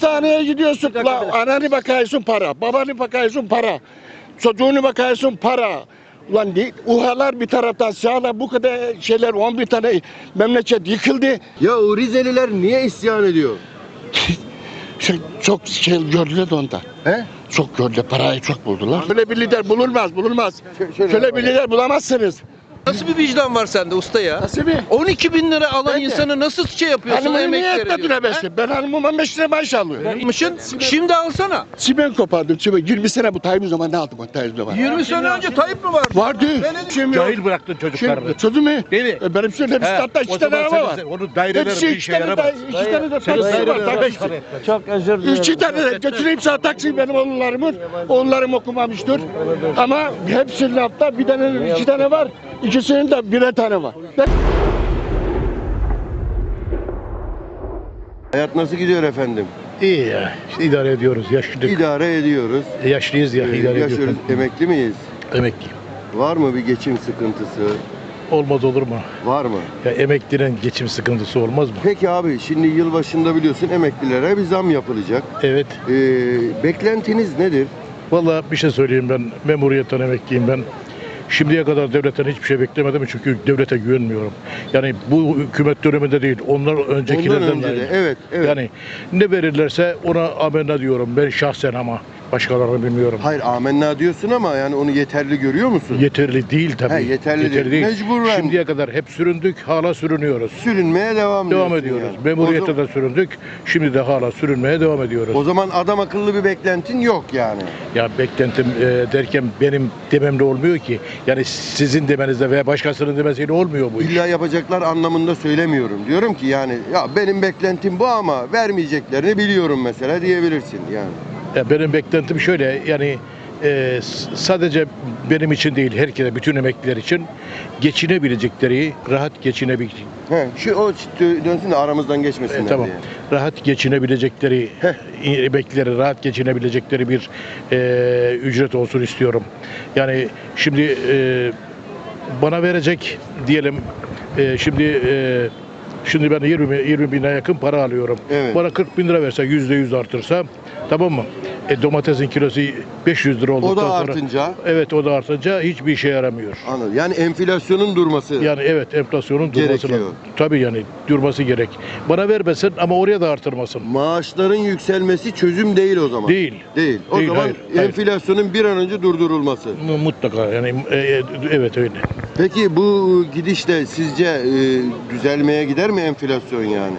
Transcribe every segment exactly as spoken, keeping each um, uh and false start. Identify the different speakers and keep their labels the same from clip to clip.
Speaker 1: Hastaneye gidiyorsun. La, ananı bakıyorsun para. Babanı bakıyorsun para. Çocuğunu bakıyorsun para. Ulan değil, uhalar bir taraftan sağlar bu kadar şeyler on bir tane memleket yıkıldı.
Speaker 2: Ya o Rizeliler niye isyan ediyor?
Speaker 1: Şey, çok şey gördüler de ondan.
Speaker 2: He?
Speaker 1: Çok gördüler, parayı çok buldular. Şöyle bir lider bulunmaz, bulunmaz.
Speaker 2: şöyle
Speaker 1: Şöyle bir lider bulamazsınız.
Speaker 3: Nasıl bir vicdan var sende usta ya?
Speaker 1: Nasıl bir?
Speaker 3: on iki bin lira alan
Speaker 1: Ben de.
Speaker 3: insanı nasıl şey yapıyorsun?
Speaker 1: Hanımın
Speaker 3: emek
Speaker 1: niye
Speaker 3: veriyorsun,
Speaker 1: etmediler
Speaker 3: he?
Speaker 1: beşte? Ben hanımım on beş lira maaş alıyorum.
Speaker 3: Vermişsin, şimdi alsana.
Speaker 1: Çimen kopardım, çimen. yirmi sene bu Tayyip zaman ne aldım o Tayyip zaman?
Speaker 3: yirmi sene önce Tayyip mi vardı?
Speaker 1: Vardı.
Speaker 3: Ben de-
Speaker 1: Şimdi yok.
Speaker 4: Cahil bıraktın çocuklarını.
Speaker 1: Şimdi çocuğum mu?
Speaker 4: Değil mi?
Speaker 1: E, Benim şöyle bir
Speaker 4: He,
Speaker 1: statta iki
Speaker 4: o
Speaker 1: tane
Speaker 4: zaman
Speaker 1: araba var.
Speaker 4: senin- Onun daireler
Speaker 1: Hepsi
Speaker 4: bir
Speaker 1: iki
Speaker 4: işe
Speaker 1: tane
Speaker 4: yaramaz.
Speaker 1: de, iki tane de
Speaker 4: Senin
Speaker 1: taksi var,
Speaker 4: daireler beş
Speaker 1: taksi.
Speaker 4: para etmez.
Speaker 5: Çok özür dilerim.
Speaker 1: İki tane de götüreyim sana taksi benim oğullarımın. Oğullarım okumamıştır. Ama hepsinin altta bir tane, iki tane var. İkisinin de birer tane var.
Speaker 2: Hayat nasıl gidiyor efendim?
Speaker 4: İyi ya. İşte idare ediyoruz. Yaşlıyız.
Speaker 2: İdare ediyoruz.
Speaker 4: Yaşlıyız ya.
Speaker 2: Ee,
Speaker 4: idare
Speaker 2: yaşıyoruz.
Speaker 4: ediyoruz.
Speaker 2: Emekli miyiz?
Speaker 4: Emekliyim.
Speaker 2: Var mı bir geçim sıkıntısı?
Speaker 4: Olmaz olur mu?
Speaker 2: Var mı?
Speaker 4: Ya emeklinin geçim sıkıntısı olmaz mı?
Speaker 2: Peki abi şimdi yılbaşında biliyorsun emeklilere bir zam yapılacak.
Speaker 4: Evet.
Speaker 2: Ee, beklentiniz nedir?
Speaker 4: Vallahi bir şey söyleyeyim, ben memuriyetten emekliyim ben. Şimdiye kadar devletten hiçbir şey beklemedim çünkü devlete güvenmiyorum. Yani bu hükümet döneminde değil, onlar öncekilerden
Speaker 2: Ondan önce de.
Speaker 4: de.
Speaker 2: Evet, evet.
Speaker 4: Yani ne verirlerse ona amenna diyorum ben şahsen, ama başkalarını bilmiyorum.
Speaker 2: Hayır amenna diyorsun ama yani onu yeterli görüyor musun?
Speaker 4: Yeterli değil tabii.
Speaker 2: He, yeterli değil. Mecburen.
Speaker 4: Şimdiye kadar hep süründük, hala sürünüyoruz.
Speaker 2: Sürünmeye devam,
Speaker 4: Devam
Speaker 2: diyorsun
Speaker 4: ediyoruz.
Speaker 2: yani.
Speaker 4: Memuriyette
Speaker 2: o,
Speaker 4: de süründük, şimdi de hala sürünmeye devam ediyoruz.
Speaker 2: o zaman adam akıllı bir beklentin yok yani.
Speaker 4: Ya beklentim e, derken benim dememle olmuyor ki. Yani sizin demenizle veya başkasının demesiyle olmuyor bu iş.
Speaker 2: İlla yapacaklar anlamında söylemiyorum. Diyorum ki yani ya benim beklentim bu ama vermeyeceklerini biliyorum mesela diyebilirsin yani.
Speaker 4: Ya benim beklentim şöyle, yani e, s- sadece benim için değil, herkese, bütün emekliler için geçinebilecekleri, rahat geçinebilecekleri,
Speaker 2: He, şu o dö- dönsün de aramızdan geçmesinler
Speaker 4: E, tamam.
Speaker 2: diye.
Speaker 4: Rahat geçinebilecekleri, emeklileri rahat geçinebilecekleri bir e, ücret olsun istiyorum. Yani şimdi e, bana verecek diyelim, e, şimdi e, şimdi ben yirmi yirmi bine yakın para alıyorum.
Speaker 2: Evet.
Speaker 4: Bana kırk bin lira verse, yüzde yüz artırsa, tamam mı? E, domatesin kilosu beş yüz lira olduktan
Speaker 2: O da
Speaker 4: sonra,
Speaker 2: artınca
Speaker 4: evet, o da artınca hiçbir işe yaramıyor.
Speaker 2: anladım. Yani enflasyonun durması.
Speaker 4: Yani evet, enflasyonun durması
Speaker 2: Gerekiyor.
Speaker 4: tabii, yani durması gerek. Bana vermesin ama oraya da artırmasın.
Speaker 2: Maaşların yükselmesi çözüm değil o zaman.
Speaker 4: Değil.
Speaker 2: Değil. O
Speaker 4: Değil,
Speaker 2: zaman
Speaker 4: hayır, hayır.
Speaker 2: enflasyonun bir an önce durdurulması.
Speaker 4: Mu- Mutlaka yani, e, e, evet öyle.
Speaker 2: Peki bu gidişle sizce e, düzelmeye gider mi enflasyon yani?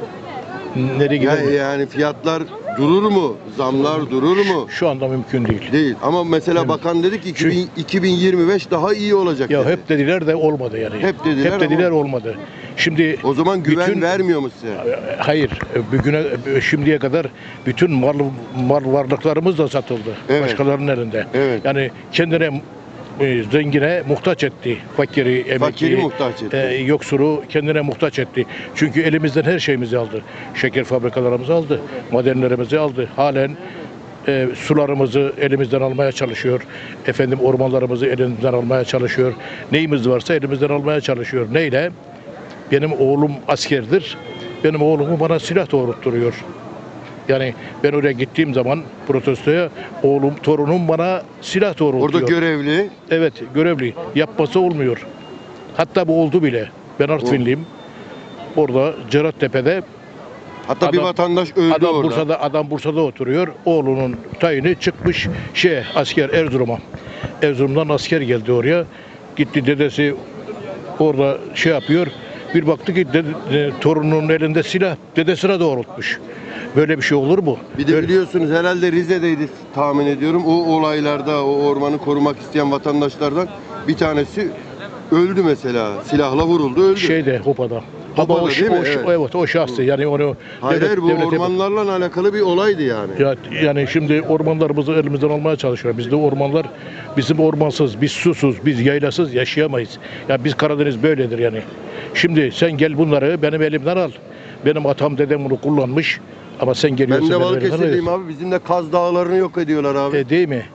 Speaker 4: Nereye gider?
Speaker 2: Yani, yani fiyatlar durur mu? Zamlar durur mu?
Speaker 4: Şu anda mümkün değil.
Speaker 2: Değil. Ama mesela
Speaker 4: Evet.
Speaker 2: bakan dedi ki iki bin,
Speaker 4: Çünkü-
Speaker 2: iki bin yirmi beş daha iyi olacak
Speaker 4: Ya
Speaker 2: dedi.
Speaker 4: hep dediler de olmadı yani.
Speaker 2: Hep dediler
Speaker 4: Hep dediler
Speaker 2: ama-
Speaker 4: olmadı. Şimdi
Speaker 2: O zaman güven
Speaker 4: bütün-
Speaker 2: vermiyor mu size?
Speaker 4: Hayır, bugüne şimdiye kadar bütün mal mal varlıklarımız da satıldı.
Speaker 2: Evet.
Speaker 4: Başkalarının elinde.
Speaker 2: Evet.
Speaker 4: Yani kendine e, zengine muhtaç etti. Fakiri, emekliyi,
Speaker 2: Fakiri muhtaç etti.
Speaker 4: e, yoksuru kendine muhtaç etti. Çünkü elimizden her şeyimizi aldı. Şeker fabrikalarımızı aldı, madenlerimizi aldı. Halen e, sularımızı elimizden almaya çalışıyor. Efendim ormanlarımızı elimizden almaya çalışıyor. Neyimiz varsa elimizden almaya çalışıyor. Neyle? Benim oğlum askerdir. Benim oğlumu bana silah doğrultturuyor. Yani ben oraya gittiğim zaman protestoya, oğlum, torunum bana silah doğrultuyor.
Speaker 2: Orada görevli.
Speaker 4: Evet, görevli. Yapması olmuyor. Hatta bu oldu bile. Ben Artvinliyim. Orada Cerattepe'de
Speaker 2: Hatta bir
Speaker 4: Adam-
Speaker 2: vatandaş öldü
Speaker 4: adam
Speaker 2: orada.
Speaker 4: Bursa'da adam Bursa'da oturuyor. Oğlunun tayini çıkmış şey asker Erzurum'a. Erzurum'dan asker geldi oraya. Gitti dedesi orada şey yapıyor. Bir baktı ki dede- e, torununun elinde silah dedesine doğrultmuş. Böyle bir şey olur mu?
Speaker 2: Bir de
Speaker 4: Böyle-
Speaker 2: biliyorsunuz herhalde Rize'deydi tahmin ediyorum. O olaylarda o ormanı korumak isteyen vatandaşlardan bir tanesi öldü mesela. Silahla vuruldu öldü.
Speaker 4: şeyde Hopa'da.
Speaker 2: Hopa'da
Speaker 4: Ama o,
Speaker 2: değil mi?
Speaker 4: o,
Speaker 2: Evet.
Speaker 4: evet o şahsı yani onu
Speaker 2: hayır
Speaker 4: devlet-
Speaker 2: hayır bu
Speaker 4: devlete-
Speaker 2: ormanlarla alakalı bir olaydı yani.
Speaker 4: Ya, yani şimdi ormanlarımızı elimizden almaya çalışıyor. Bizde ormanlar, bizim ormansız, biz susuz, biz yaylasız yaşayamayız. Ya biz Karadeniz böyledir yani. Şimdi sen gel bunları benim elimden al. Benim atam dedem bunu kullanmış ama sen
Speaker 2: Ben
Speaker 4: geliyorsun
Speaker 2: de
Speaker 4: benim elimden
Speaker 2: Balıkesirliyim
Speaker 4: alıyorsun.
Speaker 2: abi. Bizim de Kaz Dağları'nı yok ediyorlar abi.
Speaker 4: E, değil mi?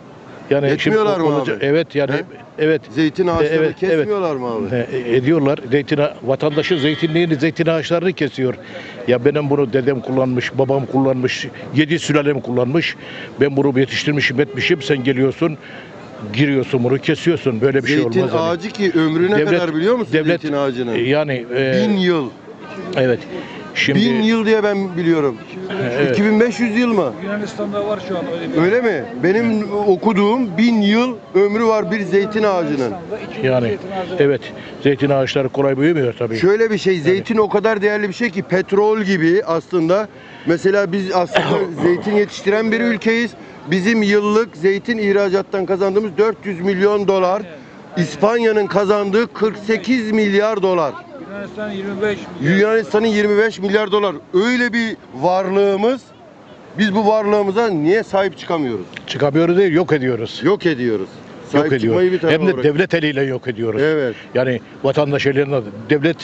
Speaker 4: Yani
Speaker 2: Etmiyorlar mı
Speaker 4: olacak-
Speaker 2: abi?
Speaker 4: Evet yani
Speaker 2: He?
Speaker 4: evet.
Speaker 2: Zeytin ağaçlarını
Speaker 4: Evet, evet.
Speaker 2: kesmiyorlar mı abi?
Speaker 4: E, ediyorlar. Zeytin ağa- vatandaşın zeytinliğini, zeytin ağaçlarını kesiyor. Ya benim bunu dedem kullanmış, babam kullanmış, yedi sülalem kullanmış. Ben bunu yetiştirmişim, etmişim. Sen geliyorsun, giriyorsun bunu kesiyorsun. Böyle bir şey
Speaker 2: Zeytin
Speaker 4: olmaz. yani.
Speaker 2: ağacı ki ömrü ne
Speaker 4: Devlet-
Speaker 2: kadar biliyor musun
Speaker 4: devlet-
Speaker 2: zeytin ağacının?
Speaker 4: E, Yani e,
Speaker 2: Bin yıl.
Speaker 4: evet. Şimdi
Speaker 2: Bin yıl diye ben biliyorum.
Speaker 4: Evet.
Speaker 2: iki bin beş yüz yıl mı?
Speaker 5: Yunanistan'da var şu an öyle bir.
Speaker 2: Öyle mi? Benim okuduğum bin yıl ömrü var bir zeytin ağacının.
Speaker 4: yani evet. Zeytin ağaçları kolay büyümüyor tabii.
Speaker 2: Şöyle bir şey, zeytin o kadar değerli bir şey ki petrol gibi aslında. Mesela biz aslında zeytin yetiştiren bir ülkeyiz. Bizim yıllık zeytin ihracattan kazandığımız dört yüz milyon dolar. İspanya'nın kazandığı kırk sekiz milyar dolar.
Speaker 5: Yunanistan yirmi beş.
Speaker 2: Yunanistan'ın yirmi beş milyar dolar. Öyle bir varlığımız. Biz bu varlığımıza niye sahip çıkamıyoruz?
Speaker 4: Çıkamıyoruz değil, yok ediyoruz.
Speaker 2: Yok ediyoruz. Sahip
Speaker 4: Yok
Speaker 2: çıkmayı bir
Speaker 4: ediyoruz.
Speaker 2: tarafa
Speaker 4: Hem de
Speaker 2: bırak.
Speaker 4: devlet eliyle yok ediyoruz.
Speaker 2: Evet.
Speaker 4: Yani vatandaş eliyle, devlet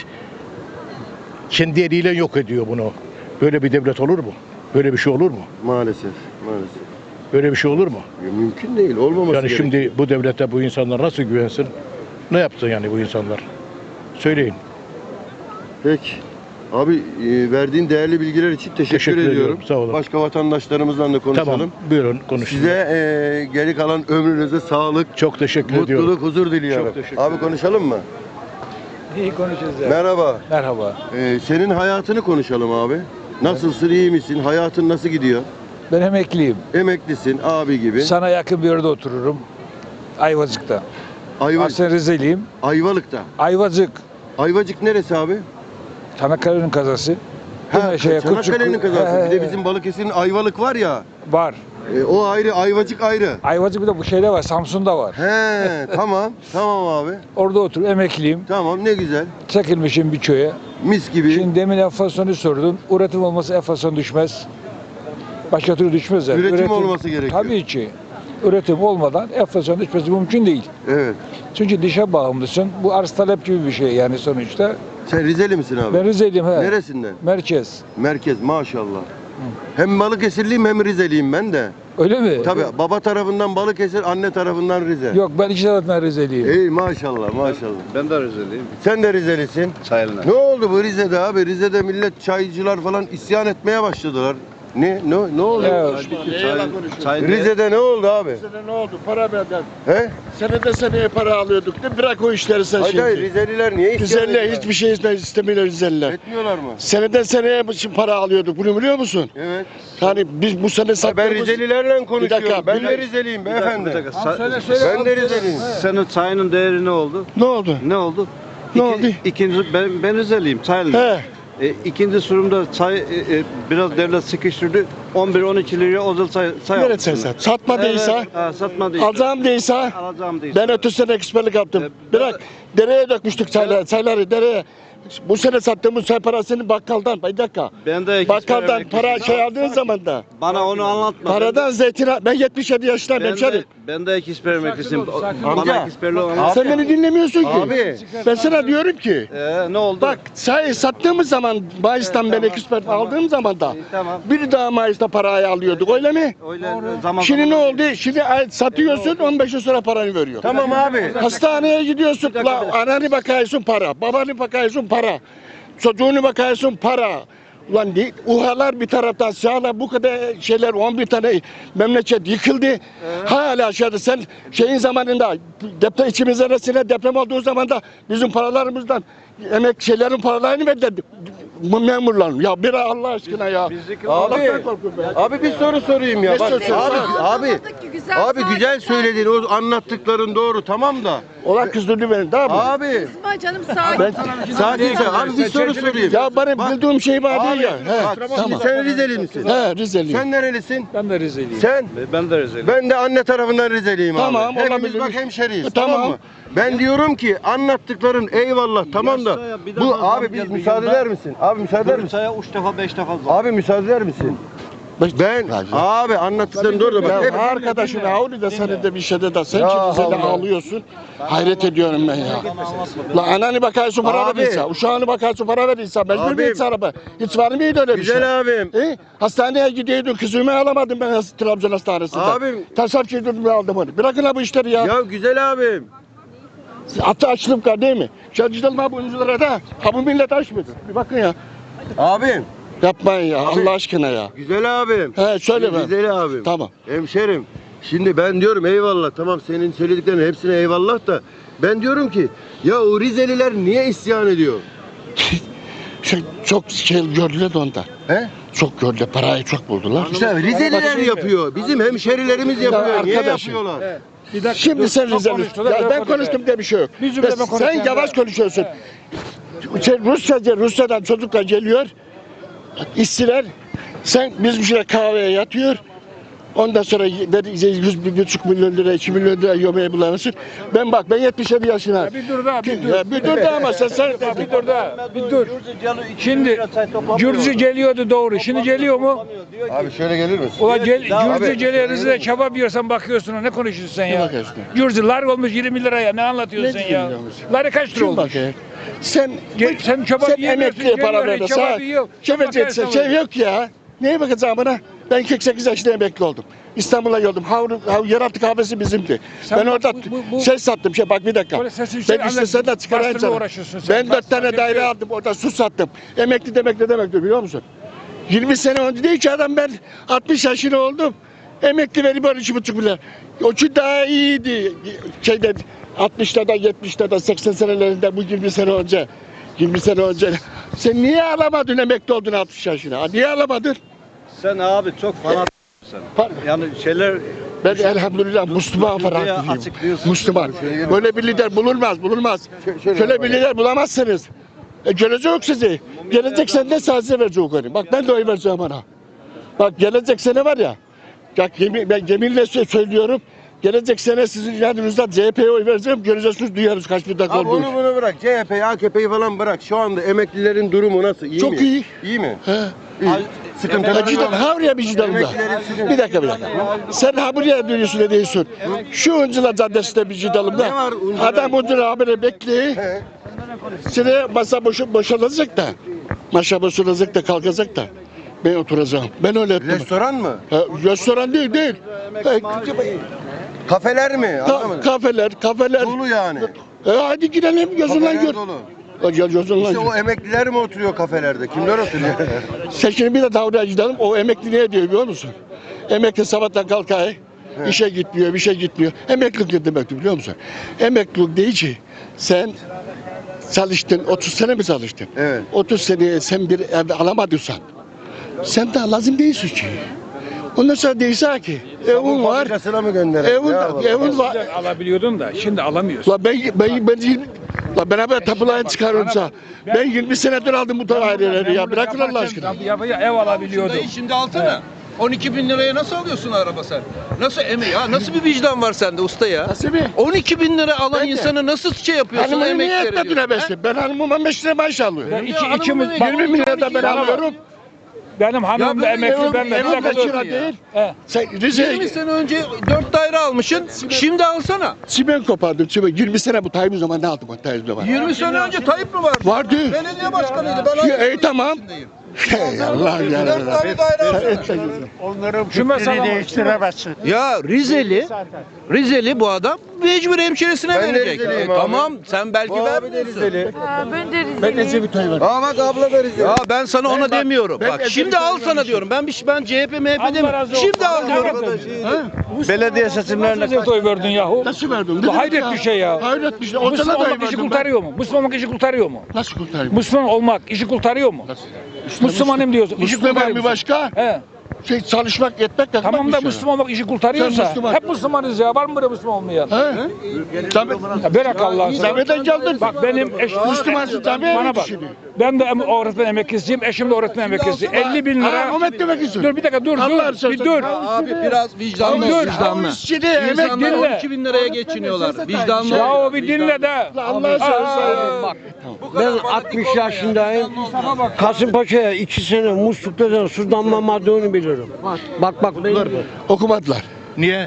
Speaker 4: kendi eliyle yok ediyor bunu. Böyle bir devlet olur mu? Böyle bir şey olur mu?
Speaker 2: Maalesef. Maalesef.
Speaker 4: Böyle bir şey olur mu?
Speaker 2: Ya mümkün değil. Olmaması
Speaker 4: Yani
Speaker 2: gerekiyor.
Speaker 4: şimdi bu devlete bu insanlar nasıl güvensin? Ne yaptı yani bu insanlar? Söyleyin.
Speaker 2: Peki. Abi e, verdiğin değerli bilgiler için teşekkür,
Speaker 4: Teşekkür
Speaker 2: ediyorum.
Speaker 4: ediyorum, sağ olun.
Speaker 2: Başka vatandaşlarımızla da konuşalım.
Speaker 4: Tamam, buyurun konuşun.
Speaker 2: Size e, geri kalan ömrünüze sağlık,
Speaker 4: çok teşekkür ediyorum.
Speaker 2: mutluluk, huzur diliyorum.
Speaker 4: Çok teşekkür
Speaker 2: Abi
Speaker 4: ederim.
Speaker 2: konuşalım mı?
Speaker 5: İyi konuşacağız ya.
Speaker 2: Merhaba.
Speaker 5: Merhaba.
Speaker 2: E, senin hayatını konuşalım abi. Nasılsın, iyi misin? Hayatın nasıl gidiyor?
Speaker 5: Ben emekliyim.
Speaker 2: Emeklisin, abi gibi.
Speaker 5: Sana yakın bir yerde otururum. Ayvacık'ta.
Speaker 2: Ayva,
Speaker 5: Aslen Rizeliyim.
Speaker 2: Ayvalık'ta.
Speaker 5: Ayvacık.
Speaker 2: Ayvacık neresi abi?
Speaker 5: Çanakkale'nin kazası.
Speaker 2: Ha,
Speaker 5: Güneşe,
Speaker 2: Çanakkale'nin
Speaker 5: Kutçuk-
Speaker 2: kazası.
Speaker 5: He,
Speaker 2: Bir de
Speaker 5: he,
Speaker 2: bizim Balıkesir'in Ayvalık var ya.
Speaker 5: Var.
Speaker 2: e, o ayrı, Ayvacık ayrı.
Speaker 5: Ayvacık bir de bu şeyde var. Samsun'da var.
Speaker 2: He, tamam. Tamam abi.
Speaker 5: Orada otur. Emekliyim.
Speaker 2: Tamam, ne güzel.
Speaker 5: Çekilmişim bir köye.
Speaker 2: Mis gibi.
Speaker 5: Şimdi demin enflasyonu sordun. Üretim olmasa enflasyon düşmez. Başka türlü düşmez. yani.
Speaker 2: Üretim olması gerekiyor.
Speaker 5: Tabii ki. Üretim olmadan enflasyon düşmesi mümkün değil.
Speaker 2: Evet.
Speaker 5: Çünkü dışa bağımlısın. Bu arz talep gibi bir şey yani sonuçta.
Speaker 2: Sen Rizeli misin abi?
Speaker 5: Ben Rizeliyim. He.
Speaker 2: Neresinden?
Speaker 5: Merkez.
Speaker 2: Merkez, maşallah. Hem Balıkesirliyim hem Rizeliyim ben de.
Speaker 5: Öyle mi?
Speaker 2: Tabii baba tarafından Balıkesir, anne tarafından Rize.
Speaker 5: Yok ben iki tarafından Rizeliyim.
Speaker 2: Ey maşallah maşallah.
Speaker 3: Ben de Rizeliyim.
Speaker 2: Sen de Rizelisin.
Speaker 3: Sayılır.
Speaker 2: Ne oldu bu Rize'de abi? Rize'de millet çaycılar falan isyan etmeye başladılar. Ne ne ne oldu?
Speaker 5: Ya,
Speaker 2: Rize'de ne oldu abi?
Speaker 1: Senede ne oldu? Para verden.
Speaker 2: He?
Speaker 1: Senede seneye para alıyorduk. De bırak o işleri sen
Speaker 2: Hayır hayır
Speaker 1: şimdi.
Speaker 2: Rizeliler niye isyan
Speaker 1: Rizeliler
Speaker 2: ediyorlar?
Speaker 1: hiçbir şey iste- istemiyorlar Rizeliler.
Speaker 2: Etmiyorlar mı?
Speaker 1: Seneden seneye için para alıyorduk. Bunu biliyor musun?
Speaker 2: Evet.
Speaker 1: Yani biz bu sene
Speaker 2: Ha, ben
Speaker 1: sattığımız...
Speaker 2: Rizelilerle konuşuyorum.
Speaker 1: dakika,
Speaker 2: ben
Speaker 1: bir
Speaker 2: de
Speaker 1: dakika.
Speaker 2: Rizeliyim beyefendi.
Speaker 5: Tamam, söyle, söyle,
Speaker 2: Ben
Speaker 5: abi,
Speaker 2: de
Speaker 5: söyle.
Speaker 2: Rizeliyim.
Speaker 5: He.
Speaker 3: Senin çayının değeri ne oldu?
Speaker 1: Ne oldu?
Speaker 3: Ne oldu?
Speaker 1: Ne oldu?
Speaker 3: İkinci, ben, ben Rizeliyim, Sayılır.
Speaker 1: He.
Speaker 3: E, ikinci sorumda çay, e, e, biraz devlet sıkıştırdı. on bir on iki liraya özel çay, çay
Speaker 1: Nerede
Speaker 3: almışsınlar.
Speaker 1: sen? Satmadıysa,
Speaker 3: Evet, ha, satmadıysa.
Speaker 1: alacağım değilse,
Speaker 3: Alacağım değilse.
Speaker 1: ben ötü sene eksperlik yaptım.
Speaker 3: E, ben-
Speaker 1: Bırak, dereye dökmüştük çayları, çayları dereye. Bu sene sattığımız çay parasını bakkaldan, bir dakika.
Speaker 3: Ben de
Speaker 1: Bakkaldan
Speaker 3: eksper
Speaker 1: para
Speaker 3: emekliyim.
Speaker 1: şey aldığın zaman da,
Speaker 3: Bana onu anlatma.
Speaker 1: paradan zeytin, al- ben yetmiş yedi yaşındayım
Speaker 3: ben
Speaker 1: hemşerim.
Speaker 3: de, ben de eksper emeklisiyim.
Speaker 5: ol, sakin
Speaker 2: ol.
Speaker 3: Bana
Speaker 2: Amca.
Speaker 3: eksperliği anlat.
Speaker 1: Sen beni dinlemiyorsun ki.
Speaker 2: Abi.
Speaker 1: Ben sana diyorum ki,
Speaker 3: Ee, ne oldu?
Speaker 1: bak çay sattığımız zaman, Mayıs'tan
Speaker 3: Evet,
Speaker 1: ben
Speaker 3: tamam,
Speaker 1: ekspert
Speaker 3: tamam.
Speaker 1: aldığım zaman da,
Speaker 3: İyi, tamam.
Speaker 1: bir daha Mayıs'ta parayı alıyorduk, öyle mi?
Speaker 3: Öyle zaman
Speaker 1: Şimdi ne
Speaker 3: zaman-
Speaker 1: oldu? Şimdi ay- satıyorsun, on beş yıl sonra paranı veriyor.
Speaker 2: Tamam abi.
Speaker 1: Hastaneye gidiyorsun,
Speaker 3: Bir dakika,
Speaker 1: la,
Speaker 3: bir dakika.
Speaker 1: ananı bakıyorsun para, babanı bakıyorsun para, çocuğunu bakıyorsun para. Ulan de, uhalar bir taraftan sağla bu kadar şeyler on bir tane memleket yıkıldı. Hala aşağıda sen şeyin zamanında deprem içimiz arasında deprem olduğu zaman da bizim paralarımızdan emek şeylerin paralarını verdi bu memurlar. Ya bir Allah aşkına ya.
Speaker 3: Bizdeki-
Speaker 2: Abi,
Speaker 1: Allah'tan korkuyorum ben.
Speaker 2: abi bir soru sorayım ya.
Speaker 1: Ne
Speaker 2: Bak,
Speaker 1: soruyorsun?
Speaker 2: abi,
Speaker 1: Sor.
Speaker 2: abi, abi güzel söyledin. O anlattıkların doğru tamam da.
Speaker 1: Olan kızdırdı beni daha mı?
Speaker 2: Abi,
Speaker 6: Kızma canım sakin.
Speaker 1: Ben,
Speaker 2: sakin sen. Abi bir soru sorayım.
Speaker 1: ya benim
Speaker 2: Bak,
Speaker 1: bildiğim şey var
Speaker 2: Abi,
Speaker 1: değil ya. He,
Speaker 2: bak, şimdi
Speaker 1: tamam.
Speaker 2: sen Rizeli misin?
Speaker 1: He, Rizeliyim.
Speaker 2: Sen nerelisin?
Speaker 5: Ben de Rizeliyim.
Speaker 2: Sen?
Speaker 3: Ben de Rizeliyim.
Speaker 2: Ben de anne tarafından Rizeliyim
Speaker 1: Tamam,
Speaker 2: abi. Hepimiz
Speaker 1: olabilir.
Speaker 2: bak hemşeriyiz.
Speaker 1: E,
Speaker 2: Tamam.
Speaker 1: tamam.
Speaker 2: mı? Ben diyorum ki anlattıkların eyvallah tamam da
Speaker 3: Yaşa ya, bir
Speaker 2: bu
Speaker 3: daha
Speaker 2: abi
Speaker 3: zam
Speaker 2: biz
Speaker 3: geldi
Speaker 2: müsaade
Speaker 3: yılda.
Speaker 2: eder misin? Abi müsaade eder misin?
Speaker 3: Çaya üç defa beş defa zam.
Speaker 2: Abi müsaade eder misin? Ben abi anlattıkların doğru da bak. hep-
Speaker 1: Ya arkadaşım Avni de senin de bir şeyde de sen
Speaker 2: Ya
Speaker 1: şimdi seni
Speaker 2: Allah.
Speaker 1: ağlıyorsun. Hayret ediyorum ben ya. La ananı bakıyorsun para
Speaker 2: Abi.
Speaker 1: verirse, uşağını bakıyorsun para verirse, mecbur
Speaker 2: Abim.
Speaker 1: muyuz araba? Hiç var mıydı öyle bir şey?
Speaker 2: Güzel abim.
Speaker 1: E, hastaneye gidiyordun, kızımı alamadım ben has- Trabzon hastanesinde.
Speaker 2: Abim.
Speaker 1: Tasarruf çektirdim aldım onu. Bırakın ha bu işleri ya.
Speaker 2: Ya güzel abim.
Speaker 1: Atı açlık var değil mi? Çalıştıralım ha bu oyunculara da. Ha bu millet aç mıdır? Bir bakın ya.
Speaker 2: Abim.
Speaker 1: Yapmayın ya Allah aşkına ya.
Speaker 2: Güzel abim.
Speaker 1: He söyle ben.
Speaker 2: Güzel abim.
Speaker 1: Tamam.
Speaker 2: Hemşerim. Şimdi ben diyorum eyvallah tamam senin söylediklerinin hepsine eyvallah da ben diyorum ki ya o Rizeliler niye isyan ediyor?
Speaker 1: Şey, çok şey gördüler de ondan.
Speaker 2: He?
Speaker 1: Çok gördüler, parayı çok buldular.
Speaker 2: İşte Rizeliler yapıyor. Bizim hemşerilerimiz yapıyor. Niye
Speaker 1: arkadaşım.
Speaker 2: yapıyorlar?
Speaker 5: Bir dakika,
Speaker 1: Şimdi
Speaker 5: dur,
Speaker 1: sen
Speaker 5: çok
Speaker 1: Rizeli.
Speaker 5: konuştular,
Speaker 1: Ya
Speaker 5: çok
Speaker 1: ben
Speaker 5: konuştular.
Speaker 1: konuştum diye bir şey yok.
Speaker 5: Bir cümle
Speaker 1: Ve
Speaker 5: ben
Speaker 1: sen
Speaker 5: konuşayım
Speaker 1: yavaş
Speaker 5: ben.
Speaker 1: konuşuyorsun. Sen Rusyaca, Rusya'dan çocuklar geliyor. İşçiler. Sen bizim şuraya kahveye yatıyor. Ondan sonra yüz bir buçuk milyon lira, iki milyon lira yemeği bulamazsın. Ben bak ben yetmiş yedi yaşına.
Speaker 5: Ya bir dur da, bir dur.
Speaker 1: Ya bir dur da ama sen sen
Speaker 5: Bir dur da, bir dur. Şimdi Gürcü geliyordu doğru. Şimdi geliyor mu?
Speaker 2: Abi şöyle gelir misin?
Speaker 5: Ulan gel,
Speaker 2: Abi.
Speaker 5: Gürcü geliyor, Rize'de kebap yiyorsan bakıyorsun, ne konuşuyorsun sen
Speaker 1: Ne
Speaker 5: ya?
Speaker 1: bakıyorsun?
Speaker 5: Gürcü lar olmuş yirmi liraya, ne anlatıyorsun
Speaker 1: Ne
Speaker 5: sen ya?
Speaker 1: diyorsun?
Speaker 5: Ları kaç lira
Speaker 1: kim
Speaker 5: olmuş?
Speaker 1: bakıyor? Sen
Speaker 5: Gel- sen kebap
Speaker 1: sen
Speaker 5: yiyemiyorsun,
Speaker 1: emekliye para
Speaker 5: geliyor,
Speaker 1: ver.
Speaker 5: kebap
Speaker 1: Sen
Speaker 5: yiyor.
Speaker 1: kebap
Speaker 5: Bakarsın
Speaker 1: şey yok ya. Neye bakacağım bana? Ben kırk sekiz yaşında emekli oldum. İstanbul'a geldim. Havru, hav, yeraltı kahvesi bizimdi.
Speaker 5: Sen
Speaker 1: ben
Speaker 5: bak,
Speaker 1: orada
Speaker 5: bu- bu- bu-
Speaker 1: şey sattım. Şey bak bir dakika.
Speaker 5: Böyle sesini şey-
Speaker 1: Ben istesen de çıkarayım
Speaker 5: bastırma
Speaker 1: sana.
Speaker 5: uğraşıyorsun sen.
Speaker 1: Ben dört
Speaker 5: Bastırma,
Speaker 1: tane daire
Speaker 5: yapıyor.
Speaker 1: aldım. Orada su sattım. Emekli demek ne demektir biliyor musun? yirmi sene önce değil ki adam ben altmış yaşında oldum. Emekli verip on iki buçuk milyar. O için daha iyiydi. Şeyde altmışlarda, yetmişlerde, seksen senelerinde bu yirmi sene önce. yirmi sene önce. Sen niye alamadın emekli oldun altmış yaşına? Ha, niye alamadın?
Speaker 3: Sen abi çok fanatik sen.
Speaker 1: Pardon.
Speaker 3: Yani şeyler
Speaker 1: Ben elhamdülillah Müslüman
Speaker 3: Dünyaya
Speaker 1: ferahlıyım.
Speaker 3: açıklıyorsun.
Speaker 1: Müslüman. Böyle bir lider bulunmaz, bulunmaz.
Speaker 2: şöyle
Speaker 1: Şöyle bir lider bulamazsınız. E, gelecek yok sizi. Gelecek sene sadece verecek onu. Bak ben de oy vereceğim ona. Bak gelecek sene var ya. Bak yemin, ben yeminle sö- söylüyorum. Gelecek sene sizin yanınızda C H P'ye oy vereceğim. Göreceksiniz duyarız kaç bir dakika
Speaker 2: Abi
Speaker 1: olduğunu.
Speaker 2: onu bunu bırak. C H P'yi, A K P'yi falan bırak. Şu anda emeklilerin durumu nasıl? İyi
Speaker 1: Çok
Speaker 2: mi?
Speaker 1: iyi.
Speaker 2: İyi mi?
Speaker 1: He.
Speaker 2: Sıkıntıları
Speaker 1: Ya cidden
Speaker 2: yok.
Speaker 1: ha oraya bir cidden Bir dakika bir dakika. Sen ha buraya dönüyorsun ne diyorsun? Şu Uncular Caddesi'nde bir cidalım
Speaker 2: Ne var
Speaker 1: da.
Speaker 2: Uncular?
Speaker 1: Adam Uncular haberi bekliyor.
Speaker 2: He.
Speaker 1: Şimdi masa boşu, boşalacak da. Masa boşalacak da kalkacak da. Ben oturacağım. Ben öyle ettim.
Speaker 2: Restoran mı?
Speaker 1: Ha, restoran değil değil. Ha,
Speaker 2: Kafeler mi?
Speaker 1: ka-
Speaker 2: Anlamadım.
Speaker 1: kafeler, kafeler.
Speaker 2: Dolu yani.
Speaker 1: E, hadi gidelim gözünden
Speaker 2: Kafeler
Speaker 1: gör.
Speaker 2: dolu.
Speaker 1: Ha, Gel gözünden
Speaker 2: İşte o
Speaker 1: gör.
Speaker 2: emekliler mi oturuyor kafelerde? Kimler oturuyor?
Speaker 1: Sen şimdi bir de davranışa gidelim. O emekli ne diyor biliyor musun? Emekli sabahtan kalkıyor. İşe gitmiyor, bir şey gitmiyor. Emeklilik ne demektir biliyor musun? Emeklilik değil ki sen çalıştın, otuz sene mi çalıştın?
Speaker 2: Evet.
Speaker 1: otuz seneye sen bir ev alamadıysan sen daha lazım değilsin ki. Ondan sonra değilse ki evin var,
Speaker 2: Fabrikasına mı gönderelim?
Speaker 1: evin,
Speaker 2: Ne yapalım?
Speaker 1: evin var.
Speaker 5: Eskiden alabiliyordun da şimdi alamıyorsun.
Speaker 1: La ben ben ben yirmi- la beraber tapulayı çıkarımsa ben yirmi senedir aldım bu daireleri ya bırakın Allah aşkına.
Speaker 5: Ya, ya, ev alabiliyordum.
Speaker 6: Dayı şimdi alsana. on iki bin liraya nasıl alıyorsun araba sen? Nasıl emi ya? Nasıl bir vicdan var sende usta ya?
Speaker 1: Nasıl bir?
Speaker 6: on iki bin lira alan
Speaker 1: Ben de.
Speaker 6: insana nasıl şey yapıyorsun?
Speaker 1: Hanımı niye
Speaker 6: emek
Speaker 1: etmedin
Speaker 6: veriyorsun?
Speaker 1: besin? Ben hanımıma beş lira maaş alıyorum.
Speaker 5: Ben iki,
Speaker 6: hanımın
Speaker 5: ikimiz,
Speaker 6: evi-
Speaker 5: bak,
Speaker 1: yirmi bin lira da ben
Speaker 6: Bana bak.
Speaker 1: alıyorum.
Speaker 5: benim hanım da
Speaker 6: ben
Speaker 5: emekli,
Speaker 1: evim-
Speaker 5: ben de.
Speaker 1: evim
Speaker 5: Bir dakika
Speaker 1: beş
Speaker 5: dur.
Speaker 1: lira değil.
Speaker 5: He.
Speaker 1: Sen Rize'ye
Speaker 6: yirmi sene önce dört daire almışsın. Şimdi alsana.
Speaker 1: çimen kopardım çimen. yirmi sene bu Tayyip zaman ne aldım o Tayyip zaman?
Speaker 6: yirmi sene önce Tayyip mi vardı?
Speaker 1: Vardı.
Speaker 6: Belediye başkanıydı. Ben
Speaker 1: Ya,
Speaker 6: aynı
Speaker 1: ey tamam.
Speaker 6: içindeyim.
Speaker 1: Hey Allah ya.
Speaker 6: Dört tane daire aldım.
Speaker 5: Şu mesela
Speaker 6: Ya Rizeli, Rizeli bu adam mecbur hemşeresine
Speaker 2: Ben de
Speaker 6: verecek.
Speaker 2: Rizeliyim
Speaker 6: E,
Speaker 2: abi.
Speaker 6: tamam sen belki
Speaker 2: Bu abi de
Speaker 6: vermiyorsun.
Speaker 2: Rizeli.
Speaker 7: Ha, ben de Rizeliyim.
Speaker 1: Ben Ecevit oy verdim.
Speaker 2: Aa bak abla da Rizeli.
Speaker 6: Ya ben sana ona
Speaker 1: bak-
Speaker 6: demiyorum.
Speaker 1: ben
Speaker 6: Bak
Speaker 1: Ecevit'e
Speaker 6: şimdi al sana
Speaker 1: vermişim.
Speaker 6: diyorum. Ben bir ben C H P M H P
Speaker 5: Allah
Speaker 6: demiyorum.
Speaker 5: razı olsun.
Speaker 6: Şimdi al diyorum.
Speaker 3: belediye seçimlerine
Speaker 5: Nasıl oy verdin yahu?
Speaker 1: Nasıl verdim?
Speaker 5: Bu hayret bir şey ya.
Speaker 1: Hayret bir şey.
Speaker 5: Müslüman
Speaker 1: Ortada da oy
Speaker 5: olmak işi
Speaker 1: verdim ben.
Speaker 5: kurtarıyor mu? Müslüman olmak işi kurtarıyor mu?
Speaker 1: Nasıl kurtarayım?
Speaker 5: Müslüman olmak işi kurtarıyor mu? Müslümanım diyorsun. İşi
Speaker 1: Müslüman
Speaker 5: kurtarıyor
Speaker 1: bir
Speaker 5: musun?
Speaker 1: başka.
Speaker 5: He.
Speaker 1: Şey çalışmak, etmek, yakmak
Speaker 5: Tamam
Speaker 1: bir
Speaker 5: da
Speaker 1: şey.
Speaker 5: Müslüman olmak işi kurtarıyorsa
Speaker 1: Sen Müslüman.
Speaker 5: hep Müslümanız ya. Var mı böyle Müslüman olmayan?
Speaker 1: He? Tabii.
Speaker 5: Ya bırak Allah'ını seversen.
Speaker 1: Zahmetten geldin.
Speaker 5: Bak benim eşim
Speaker 1: Müslümansın tabii.
Speaker 5: bana bak. Ben de em- öğretmen emeklisiyim, eşim de öğretmen emeklisi. elli bin lira.
Speaker 1: Ha, Ahmet demek istiyorum.
Speaker 5: Dur bir dakika dur
Speaker 1: Allah
Speaker 5: dur. Bir dur.
Speaker 6: Abi biraz vicdanlı ol,
Speaker 5: Dur.
Speaker 6: vicdanlı.
Speaker 1: İşçili, emek
Speaker 6: İnsanlar
Speaker 5: dinle.
Speaker 6: on iki bin liraya geçiniyorlar. Vicdanlı
Speaker 5: Ya
Speaker 6: ol.
Speaker 5: o bir dinle de.
Speaker 1: Allah'a söylesene.
Speaker 5: Bak.
Speaker 8: Ben altmış yaşındayım. Kasımpaşa'ya iki sene musluklardan su damlamadığını bilirim.
Speaker 5: soruyorum. Bak bak.
Speaker 4: Okudular mı?
Speaker 1: Okumadılar.
Speaker 4: Niye?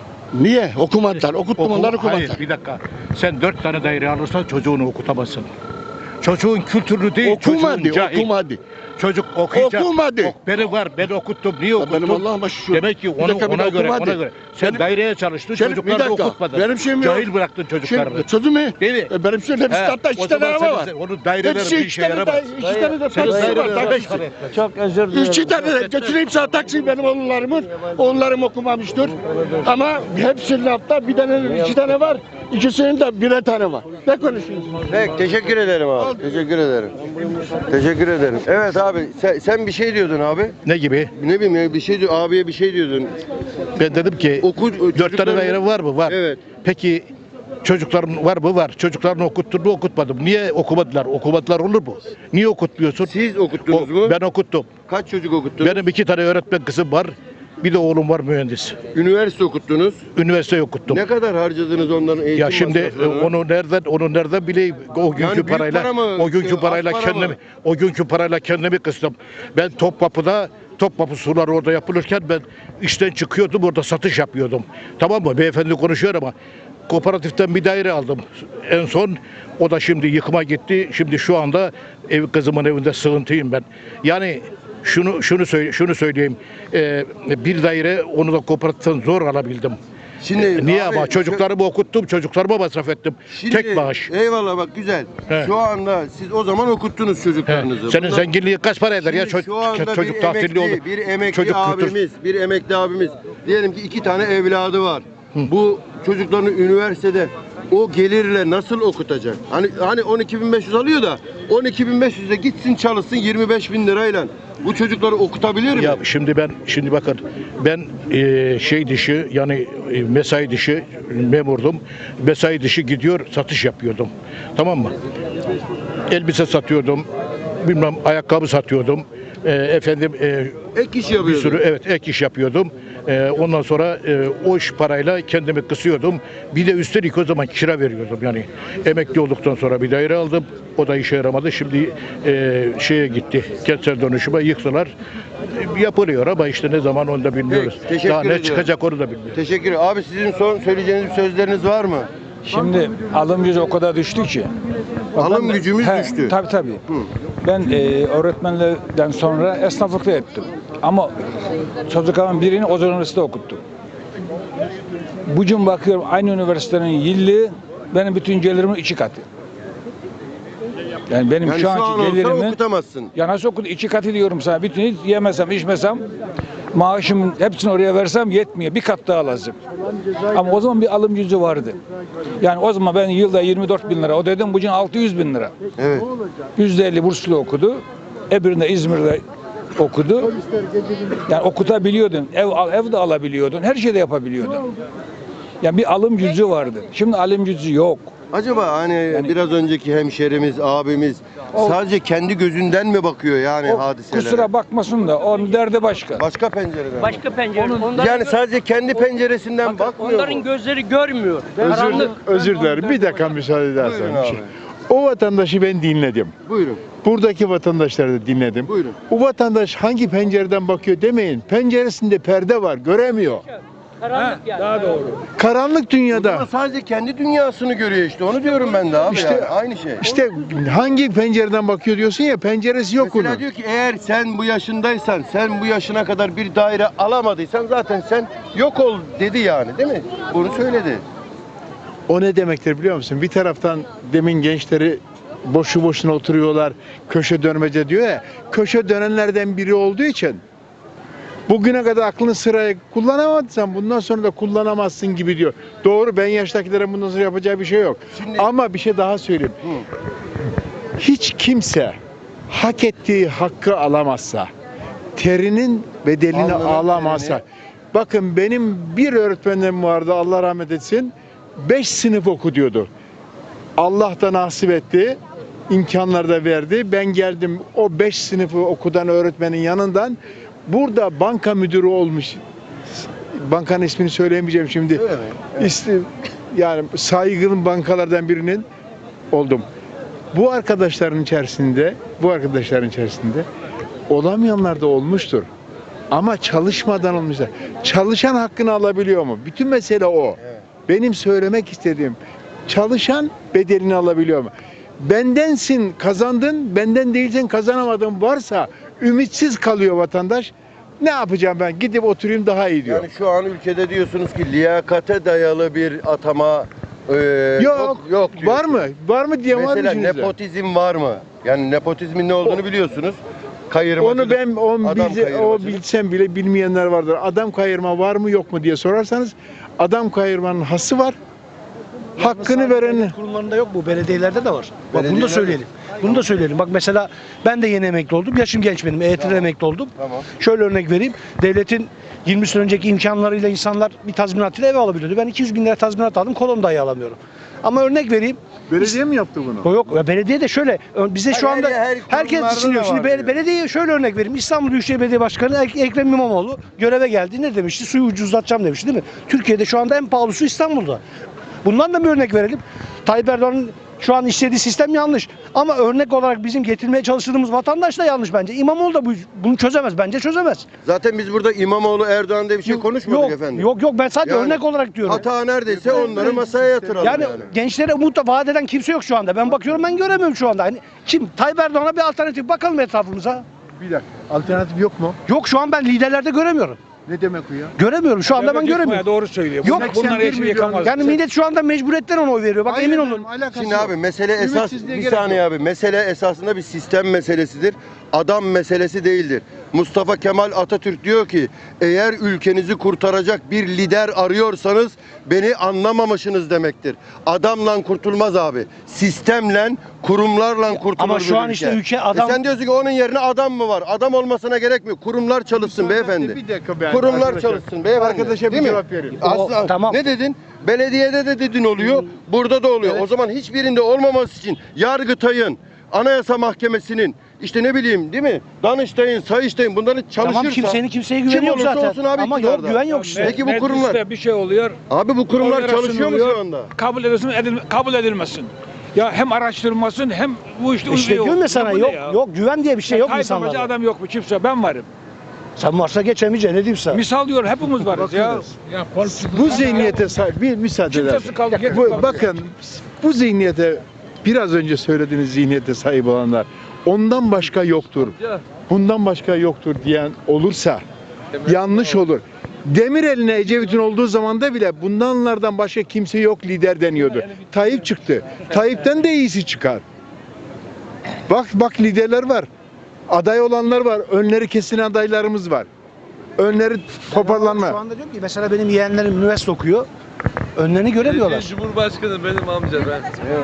Speaker 1: Niye? Okumadılar. Okuttum
Speaker 4: Oku-
Speaker 1: onları okumadılar.
Speaker 4: Hayır bir dakika. Sen dört tane daire alırsan çocuğunu okutamazsın. Çocuğun kültürlü değil,
Speaker 1: Okumadı,
Speaker 4: çocuğun cahil.
Speaker 1: okumadı.
Speaker 4: Çocuk okuyacak.
Speaker 1: Okumadı.
Speaker 4: Ok, beni var, ben okuttum. Niye
Speaker 1: Ya
Speaker 4: okuttum?
Speaker 1: benim Allah'ıma şükür.
Speaker 4: Demek ki
Speaker 1: Bir
Speaker 4: onu,
Speaker 1: dakika, bir
Speaker 4: ona
Speaker 1: de
Speaker 4: göre,
Speaker 1: okumadı.
Speaker 4: ona göre. Sen
Speaker 1: Benim-
Speaker 4: daireye çalıştın,
Speaker 1: Şimdi bir
Speaker 4: çocuklarını
Speaker 1: dakika,
Speaker 4: okutmadın.
Speaker 1: benim şeyim yok.
Speaker 4: Cahil bıraktın çocuklarını.
Speaker 1: Şimdi sözümü,
Speaker 4: Değil mi?
Speaker 1: e, benim şeyim hepsi
Speaker 4: He,
Speaker 1: hatta
Speaker 4: o
Speaker 1: iki tane
Speaker 4: zaman
Speaker 1: araba
Speaker 4: senin-
Speaker 1: var.
Speaker 4: sen- Onun daireleri
Speaker 1: Hepsi
Speaker 4: bir
Speaker 1: iki
Speaker 4: işe
Speaker 1: tane de,
Speaker 4: yaramaz.
Speaker 1: iki tane de
Speaker 4: Senin
Speaker 1: taksi var.
Speaker 4: daireler beş
Speaker 1: Taksi.
Speaker 4: para.
Speaker 5: Çok özür dilerim.
Speaker 1: İki tane de götüreyim sana taksi benim oğullarımın. Oğullarım okumamıştır. Ama hepsinin hatta bir tane, iki tane var. İkisinin de birer tane var. Ne konuşuyorsun?
Speaker 2: Peki teşekkür ederim abi. Teşekkür ederim. Teşekkür ederim. Evet abi sen, sen bir şey diyordun abi.
Speaker 4: Ne gibi?
Speaker 2: Ne bileyim ya bir şey diyor abiye bir şey diyordun.
Speaker 4: Ben dedim ki
Speaker 2: Oku,
Speaker 4: dört tane daire var mı? Var.
Speaker 2: Evet.
Speaker 4: Peki çocukların var mı? Var. Çocuklarını okuttun mu? Okutmadım. Niye okumadılar? Okumadılar olur mu? Niye okutmuyorsun?
Speaker 2: Siz okuttunuz
Speaker 4: O-
Speaker 2: mu?
Speaker 4: Ben okuttum.
Speaker 2: Kaç çocuk okuttunuz?
Speaker 4: Benim iki tane öğretmen kızım var. Bir de oğlum var mühendis.
Speaker 2: Üniversite okuttunuz.
Speaker 4: Üniversite okuttum.
Speaker 2: Ne kadar harcadınız onların eğitim
Speaker 4: Ya şimdi e,
Speaker 2: masraflarını?
Speaker 4: onu nereden onu nereden bileyim o günkü
Speaker 2: Yani büyük
Speaker 4: parayla
Speaker 2: para mı,
Speaker 4: o günkü
Speaker 2: az
Speaker 4: parayla
Speaker 2: para
Speaker 4: kendimi
Speaker 2: mı?
Speaker 4: o günkü parayla kendimi kıstım. Ben Topkapı'da Topkapı suları orada yapılırken ben işten çıkıyordum orada satış yapıyordum. Tamam mı? Beyefendi konuşuyor ama kooperatiften bir daire aldım. En son o da şimdi yıkıma gitti. Şimdi şu anda ev kızımın evinde sığıntıyım ben. Yani şunu şunu söyle şunu söyleyeyim. Ee, bir daire onu da kooperatiften zor alabildim.
Speaker 2: Şimdi
Speaker 4: Ee, Niye
Speaker 2: abi,
Speaker 4: ama çocuklarımı okuttum, çocuklarıma masraf ettim.
Speaker 2: Şimdi,
Speaker 4: Tek maaş.
Speaker 2: Eyvallah bak güzel.
Speaker 4: He.
Speaker 2: Şu anda siz o zaman okuttunuz
Speaker 4: He,
Speaker 2: çocuklarınızı.
Speaker 4: Senin
Speaker 2: Bundan-
Speaker 4: zenginliği kaç para eder ya
Speaker 2: Şimdi
Speaker 4: ço-
Speaker 2: şu anda
Speaker 4: çocuk
Speaker 2: bir
Speaker 4: tatilli
Speaker 2: emekli,
Speaker 4: oldu.
Speaker 2: bir emekli
Speaker 4: Çocuk kültür-
Speaker 2: abimiz, bir emekli abimiz. Diyelim ki iki tane evladı var. Bu çocuklarını üniversitede o gelirle nasıl okutacak? Hani hani on iki bin beş yüz alıyor da on iki bin beş yüze gitsin çalışsın yirmi beş bin lirayla. Bu çocukları okutabilir mi?
Speaker 4: Ya şimdi ben şimdi bakın ben e, şey dışı yani e, mesai dışı memurdum. Mesai dışı gidiyor satış yapıyordum. Tamam mı? Elbise satıyordum. Bilmem ayakkabı satıyordum. E, efendim e,
Speaker 2: Ek iş
Speaker 4: bir
Speaker 2: yapıyordu.
Speaker 4: sürü evet ek iş yapıyordum. Ee, ondan sonra e, o iş parayla kendimi kısıyordum. Bir de üstelik o zaman kira veriyordum. Yani emekli olduktan sonra bir daire aldım. O da işe yaramadı. Şimdi e, şeye gitti. Kentsel dönüşüme yıktılar. E, yapılıyor ama işte ne zaman onu da bilmiyoruz.
Speaker 2: Peki, teşekkür
Speaker 4: Daha ne
Speaker 2: ediyorum.
Speaker 4: çıkacak onu da bilmiyoruz.
Speaker 2: Teşekkür ederim. Abi sizin son söyleyeceğiniz bir sözleriniz var mı?
Speaker 5: Şimdi alım gücü o kadar düştü ki. Bak
Speaker 2: Alım
Speaker 5: ben de-
Speaker 2: gücümüz
Speaker 5: He,
Speaker 2: düştü.
Speaker 5: Tabii tabii. Ben e, öğretmenlerden sonra esnaflıkta ettim. Ama çocuklarımın birini Ozan Üniversitesi'de okuttum. Bugün bakıyorum aynı üniversitenin yıllığı benim bütün gelirimin iki katı. Yani benim
Speaker 2: Yani
Speaker 5: şu
Speaker 2: şu an
Speaker 5: anki
Speaker 2: olsa
Speaker 5: gelirimin
Speaker 2: okutamazsın.
Speaker 5: ya nasıl okut iki katı diyorum sana. Bütün hiç yemesem içmesem maaşımın hepsini oraya versem yetmiyor. Bir kat daha lazım. Ama o zaman bir alım gücü vardı. Yani o zaman ben yılda yirmi dört bin lira o dedim bugün altı yüz bin lira.
Speaker 2: Evet.
Speaker 5: yüzde elli burslu okudu. Öbüründe İzmir'de okudu. Yani okutabiliyordun. Ev al, ev de alabiliyordun. Her şeyi de yapabiliyordun. Yani bir alım gücü vardı. Şimdi alım gücü yok.
Speaker 2: Acaba hani biraz önceki hemşerimiz, abimiz
Speaker 5: O-
Speaker 2: sadece kendi gözünden mi bakıyor yani
Speaker 5: O
Speaker 2: hadiselere?
Speaker 5: kusura bakmasın da onun derdi başka.
Speaker 2: Başka pencereden.
Speaker 7: Başka pencere. Onların,
Speaker 2: Yani sadece kendi penceresinden
Speaker 7: bakın,
Speaker 2: bakmıyor
Speaker 7: onların
Speaker 2: mu?
Speaker 7: gözleri görmüyor.
Speaker 8: Özür,
Speaker 7: Karanlık.
Speaker 8: özür dilerim. Bir dakika müsaade
Speaker 2: Buyurun
Speaker 8: edersen. bir
Speaker 2: abi.
Speaker 8: şey. O vatandaşı ben dinledim.
Speaker 2: Buyurun.
Speaker 8: Buradaki vatandaşları da dinledim.
Speaker 2: Buyurun.
Speaker 8: O vatandaş hangi pencereden bakıyor demeyin. Penceresinde perde var, göremiyor.
Speaker 7: Karanlık yani. Daha doğru.
Speaker 8: Karanlık
Speaker 2: Ama
Speaker 8: dünyada.
Speaker 2: sadece kendi dünyasını görüyor işte. Onu diyorum ben de abi
Speaker 8: İşte-
Speaker 2: yani. Aynı şey.
Speaker 8: İşte hangi pencereden bakıyor diyorsun ya, penceresi yok
Speaker 2: Mesela
Speaker 8: onun.
Speaker 2: diyor ki eğer sen bu yaşındaysan, sen bu yaşına kadar bir daire alamadıysan zaten sen yok ol dedi yani değil mi? Bunu söyledi.
Speaker 8: O ne demektir biliyor musun? Bir taraftan demin gençleri boşu boşuna oturuyorlar, köşe dönmece diyor ya. Köşe dönenlerden biri olduğu için bugüne kadar aklını sıraya kullanamadıysan bundan sonra da kullanamazsın gibi diyor. Doğru, ben yaştakilerin bundan sonra yapacağı bir şey yok.
Speaker 2: Şimdi-
Speaker 8: Ama bir şey daha söyleyeyim.
Speaker 2: Hı.
Speaker 8: Hiç kimse hak ettiği hakkı alamazsa, terinin bedelini
Speaker 2: Alnının
Speaker 8: alamazsa.
Speaker 2: terini.
Speaker 8: Bakın benim bir öğretmenim vardı, Allah rahmet etsin. Beş sınıf oku diyordu. Allah da nasip etti. İmkanlar da verdi. Ben geldim o beş sınıfı okudan öğretmenin yanından. Burada banka müdürü olmuş. Bankanın ismini söyleyemeyeceğim şimdi.
Speaker 2: Öyle mi?
Speaker 8: İsti- yani saygın bankalardan birinin oldum. Bu arkadaşların içerisinde, bu arkadaşların içerisinde olamayanlar da olmuştur. Ama çalışmadan olmayacak. Çalışan hakkını alabiliyor mu? Bütün mesele o. Benim söylemek istediğim, çalışan bedelini alabiliyor mu? Bendensin kazandın, benden değilsen kazanamadın varsa ümitsiz kalıyor vatandaş. Ne yapacağım ben? Gidip oturayım daha iyi diyor.
Speaker 2: Yani şu an ülkede diyorsunuz ki liyakate dayalı bir atama e,
Speaker 8: yok,
Speaker 2: yok diyor.
Speaker 8: var mı? Var mı diye var
Speaker 2: Mesela
Speaker 8: içinizde?
Speaker 2: nepotizm var mı? Yani nepotizmin ne olduğunu biliyorsunuz. Kayırmacılık.
Speaker 8: Onu ben o,
Speaker 2: adam
Speaker 8: bilse, o
Speaker 2: kayırmacılık.
Speaker 8: bilsem bile bilmeyenler vardır. Adam kayırma var mı yok mu diye sorarsanız adam kayırmanın hası var. Hakkını veren
Speaker 9: Devlet kurumlarında yok bu, belediyelerde de var. Bak bunu
Speaker 2: Belediyelerde-
Speaker 9: da söyleyelim. Bunu da söyleyelim. Bak mesela ben de yeni emekli oldum. Yaşım genç benim. E Y T'de emekli oldum.
Speaker 2: Tamam.
Speaker 9: Şöyle örnek vereyim. Devletin yirmi sene önceki imkanlarıyla insanlar bir tazminatıyla ev alabiliyordu. Ben iki yüz bin lira tazminat aldım. Kolon dahi alamıyorum. Ama örnek vereyim.
Speaker 8: belediye mi yaptı bunu?
Speaker 9: O yok. Ya belediye de şöyle. ö- Bize şu
Speaker 2: Her-
Speaker 9: anda
Speaker 2: her
Speaker 9: herkes
Speaker 2: kurumlarda
Speaker 9: düşünüyor.
Speaker 2: da
Speaker 9: Şimdi
Speaker 2: var
Speaker 9: be-
Speaker 2: diyor.
Speaker 9: belediyeye şöyle örnek vereyim. İstanbul Büyükşehir Belediye Başkanı Ek- Ekrem İmamoğlu göreve geldi. Ne demişti? Suyu ucuzlatacağım demişti değil mi? Türkiye'de şu anda en pahalı su İstanbul'da. Bundan da bir örnek verelim. Tayyip Erdoğan'ın şu an işlediği sistem yanlış. Ama örnek olarak bizim getirmeye çalıştığımız vatandaş da yanlış bence. İmamoğlu da bu, bunu çözemez. Bence çözemez.
Speaker 2: Zaten biz burada İmamoğlu Erdoğan diye bir şey
Speaker 9: Yok,
Speaker 2: konuşmadık
Speaker 9: yok,
Speaker 2: efendim.
Speaker 9: Yok yok ben sadece
Speaker 2: Yani
Speaker 9: örnek olarak diyorum.
Speaker 2: Hata neredeyse onları masaya yatıralım
Speaker 9: Yani,
Speaker 2: yani.
Speaker 9: gençlere umut da vaat eden kimse yok şu anda. Ben bakıyorum ben göremiyorum şu anda. Hani kim? Tayyip Erdoğan'a bir alternatif bakalım etrafımıza.
Speaker 8: Bir dakika. Alternatif yok mu?
Speaker 9: Yok şu an ben liderlerde göremiyorum.
Speaker 8: Ne demek o ya?
Speaker 9: Göremiyorum şu anda ben göremiyorum.
Speaker 5: Doğru söylüyor.
Speaker 9: Yok,
Speaker 5: Bunlar, bunlar
Speaker 8: seksen bir
Speaker 5: eşi
Speaker 8: milyon-
Speaker 5: yıkamaz.
Speaker 9: Yani millet şu anda mecburiyetten ona oy veriyor. Bak
Speaker 8: Hayır
Speaker 9: emin
Speaker 8: efendim,
Speaker 9: olun.
Speaker 8: alakası
Speaker 2: Şimdi
Speaker 8: yok.
Speaker 2: abi mesele esas
Speaker 8: Ümitsizliğe
Speaker 2: bir
Speaker 8: gerek
Speaker 2: saniye
Speaker 8: yok.
Speaker 2: abi mesele esasında bir sistem meselesidir. Adam meselesi değildir. Mustafa Kemal Atatürk diyor ki eğer ülkenizi kurtaracak bir lider arıyorsanız beni anlamamışsınız demektir. Adamla kurtulmaz abi. Sistemle, kurumlarla kurtulur.
Speaker 9: ama şu
Speaker 2: bir
Speaker 9: an işte ülke adam-
Speaker 2: E sen diyorsun ki onun yerine adam mı var? Adam olmasına gerek mi? Kurumlar çalışsın beyefendi.
Speaker 8: Bir dakika ben.
Speaker 2: Kurumlar
Speaker 8: arkadaşa-
Speaker 2: çalışsın beyefendi.
Speaker 8: Arkadaşa bir
Speaker 2: Değil mi?
Speaker 8: cevap vereyim.
Speaker 2: Aslında,
Speaker 9: O- tamam.
Speaker 2: Ne dedin? Belediyede de dedin oluyor, burada da oluyor. O zaman hiçbirinde olmaması için Yargıtay'ın, Anayasa Mahkemesi'nin, işte ne bileyim değil mi? Danıştay'ın, Sayıştay'ın bunların çalışırsa
Speaker 9: Tamam kimsenin kimseye
Speaker 2: kim
Speaker 9: güveni yok
Speaker 2: olursa
Speaker 9: zaten.
Speaker 2: olsun abi
Speaker 9: Ama yok
Speaker 2: iktidarda.
Speaker 9: güven yok işte.
Speaker 2: Peki bu kurumlar,
Speaker 5: Mecliste bir şey oluyor.
Speaker 2: abi bu kurumlar
Speaker 5: oylara
Speaker 2: çalışıyor mu
Speaker 5: sunuluyor,
Speaker 2: şu anda?
Speaker 5: Kabul edilsin, edil, kabul edilmesin. Ya hem araştırılmasın hem bu işte
Speaker 9: İşte
Speaker 5: uyguyor.
Speaker 9: diyorum ya sana
Speaker 5: Bu ne
Speaker 9: yok
Speaker 5: ya?
Speaker 9: yok güven diye bir şey yok
Speaker 5: Tayyip
Speaker 9: insanlarda.
Speaker 5: amacı adam yok mu? Kimse ben varım.
Speaker 9: Sen varsa geçemeyeceksin ne diyeyim sana.
Speaker 5: Misal diyor hepimiz varız ya.
Speaker 8: Ya bu zihniyete sahip bir müsaade eder.
Speaker 5: Kimsesi kaldı, gerisi
Speaker 8: Bu,
Speaker 5: kaldı.
Speaker 8: bakın bu zihniyete biraz önce söylediğiniz zihniyete sahip olanlar ondan başka yoktur. Bundan başka yoktur diyen olursa yanlış olur. Demirel'ine Ecevit'in olduğu zamanda bile bundanlardan başka kimse yok lider deniyordu. Tayyip çıktı. Tayyip'ten de iyisi çıkar. Bak bak liderler var. Aday olanlar var. Önleri kesilen adaylarımız var. Önleri toparlanma.
Speaker 9: Şu anda diyorum ki mesela benim yeğenlerim üniversite okuyor. Önlerini göremiyorlar.
Speaker 6: Cumhurbaşkanı benim amca ben.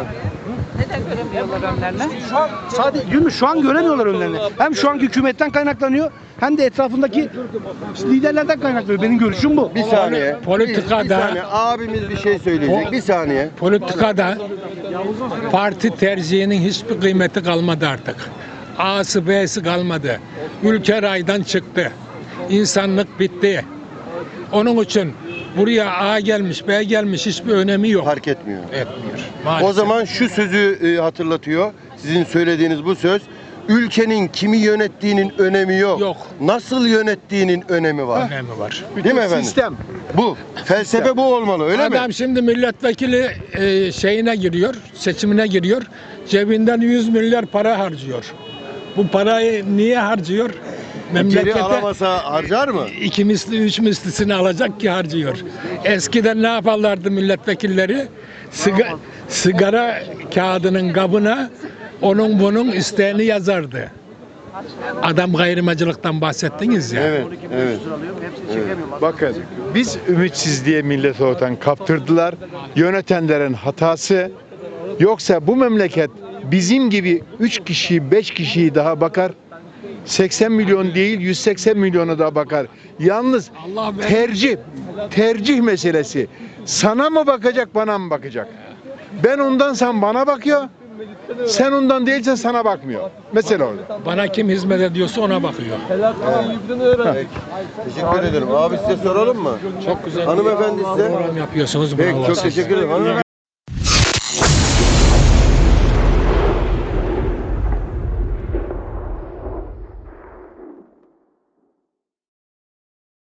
Speaker 9: Şu an sadece değil mi? Şu an göremiyorlar önlerini. Hem şu anki hükümetten kaynaklanıyor hem de etrafındaki liderlerden kaynaklanıyor. Benim görüşüm bu.
Speaker 2: Bir saniye.
Speaker 10: Politikada-
Speaker 2: Bir, bir saniye. Abimiz bir şey söyleyecek. Bir saniye.
Speaker 10: Politikada parti tercihinin hiçbir kıymeti kalmadı artık. A'sı B'si kalmadı. Ülke raydan çıktı. İnsanlık bitti. Onun için buraya A gelmiş, B gelmiş hiçbir önemi yok.
Speaker 2: Fark etmiyor.
Speaker 10: Etmiyor.
Speaker 2: O
Speaker 10: Maalesef.
Speaker 2: zaman şu sözü e, hatırlatıyor. Sizin söylediğiniz bu söz. Ülkenin kimi yönettiğinin önemi yok.
Speaker 10: Yok.
Speaker 2: Nasıl yönettiğinin önemi var.
Speaker 10: önemi var.
Speaker 2: Değil mi efendim?
Speaker 8: Sistem.
Speaker 2: Bu. Felsefe bu olmalı öyle
Speaker 10: Adam
Speaker 2: mi?
Speaker 10: şimdi milletvekili e, şeyine giriyor, seçimine giriyor. Cebinden yüz milyar para harcıyor. Bu parayı niye harcıyor?
Speaker 2: Geri
Speaker 10: Memlekete
Speaker 2: alamasa harcar mı?
Speaker 10: iki misli, üç mislisini alacak ki harcıyor. Eskiden ne yaparlardı milletvekilleri? Siga, sigara kağıdının kabına onun bunun isteğini yazardı. Adam gayrimacılıktan bahsettiniz ya.
Speaker 2: Evet, evet.
Speaker 8: Bakın biz ümitsizliğe milleti ortadan kaptırdılar. Yönetenlerin hatası. Yoksa bu memleket bizim gibi üç kişi, beş kişiyi daha bakar. seksen milyon değil yüz seksen milyona da bakar. Yalnız
Speaker 10: Allah verir.
Speaker 8: tercih, tercih meselesi. Sana mı bakacak, bana mı bakacak? Ben ondan sen bana bakıyor. Sen ondan değilsen sana bakmıyor. Mesele orada.
Speaker 10: Bana kim hizmet ediyorsa ona bakıyor.
Speaker 2: Peki. Teşekkür ederim. Abi size soralım mı?
Speaker 10: Çok güzel.
Speaker 2: Hanımefendi size.
Speaker 10: program yapıyorsunuz.
Speaker 2: Peki
Speaker 10: bravo
Speaker 2: çok
Speaker 10: size.
Speaker 2: teşekkür ederim. Hanımefendi.